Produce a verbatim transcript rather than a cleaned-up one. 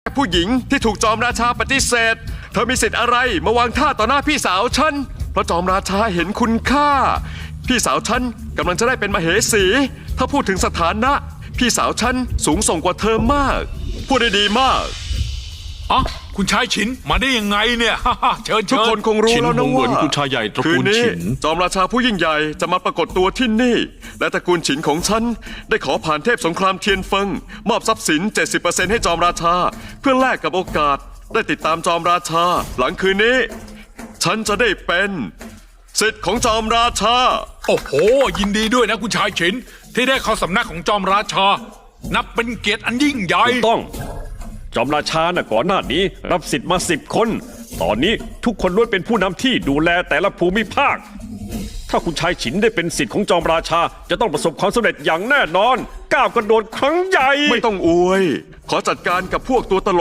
ผู้หญิงที่ถูกจอมราชาปฏิเสธเธอมีสิทธิ์อะไรมาวางท่าต่อหน้าพี่สาวฉันเพราะจอมราชาเห็นคุณค่าพี่สาวฉันกำลังจะได้เป็นมเหสี ถ้าพูดถึงสถานะพี่สาวฉันสูงส่งกว่าเธอมากพูดได้ดีมากอ๋อคุณชายฉินมาได้ยังไงเนี่ย เชิญทุกคนคงรู้แล้วนะว่าคุณชายใหญ่ตระคืกูนลนี้ฉินจอมราชาผู้ยิ่งใหญ่จะมาปรากฏตัวที่นี่ และตระกูลฉินของฉันได้ขอผ่านเทพสงครามเทียนเฟิงมอบทรัพย์สิน เจ็ดสิบเปอร์เซ็นต์ ให้จอมราชา เพื่อแลกกับโอกาสได้ติดตามจอมราชา หลังคืนนี้ ฉันจะได้เป็นศิษย์ของจอมราชาโอ้โหยินดีด้วยนะคุณชายฉินที่ได้เข้าสำนักของจอมราชา นับเป็นเกียรติอันยิ่งใหญ่ถูกต้องจอมราชาน่ะก่อนหน้านี้รับสิทธิ์มาสิบคน ตอนนี้ทุกคนล้วนเป็นผู้นำที่ดูแลแต่ละภูมิภาค ถ้าคุณชายฉินได้เป็นสิทธิ์ของจอมราชา จะต้องประสบความสำเร็จอย่างแน่นอนก้าวกระโดดครั้งใหญ่ไม่ต้องอวย ขอจัดการกับพวกตัวตลก